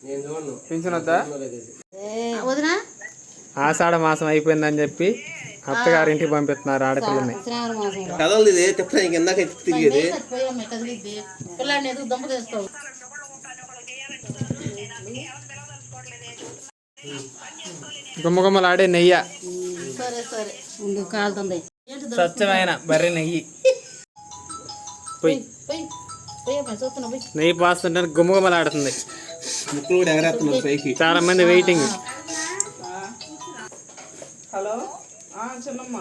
Pension వద్దా? ఆషాఢ మాసం అయిపోయిందని చెప్పి అత్తగారింటికి పంపిస్తున్నారు ఆడపిల్లని. గుమ్మగుమ్మలాడే నెయ్యి, స్వచ్ఛమైన బర్రె నెయ్యి. నెయ్యి పాస్తుంటే గుమ్మగుమ్మలాడుతుంది. చాలా మంది వెయిటింగ్. హలో చిన్నమ్మ,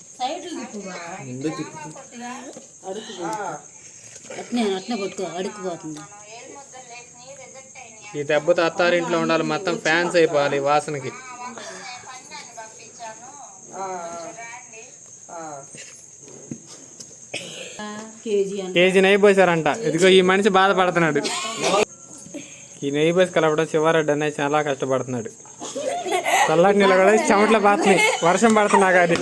ఈ దెబ్బతో అత్తారింట్లో ఉండాలి, మొత్తం ఫ్యాన్స్ అయిపోవాలి వాసనకి. కేజీ నెయ్యి పోసారంట. ఇదిగో ఈ మనిషి బాధపడుతున్నాడు. ఈ నెయ్యి పోసి కలపడం శివారెడ్డి అనేది చాలా కష్టపడుతున్నాడు. చల్లటి నీళ్ళు కూడా చెమట్లో బాతున్నాయి, వర్షం పడుతున్నా కానీ.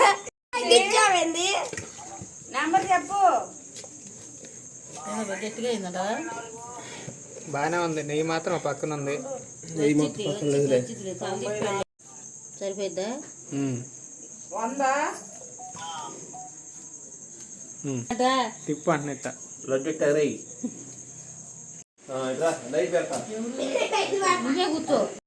బాగానే ఉంది. నెయ్యి మాత్రం పక్కన ఉంది. సరిపోద్దా? తిప్పు అంటున్నట్ట. కూర్చో.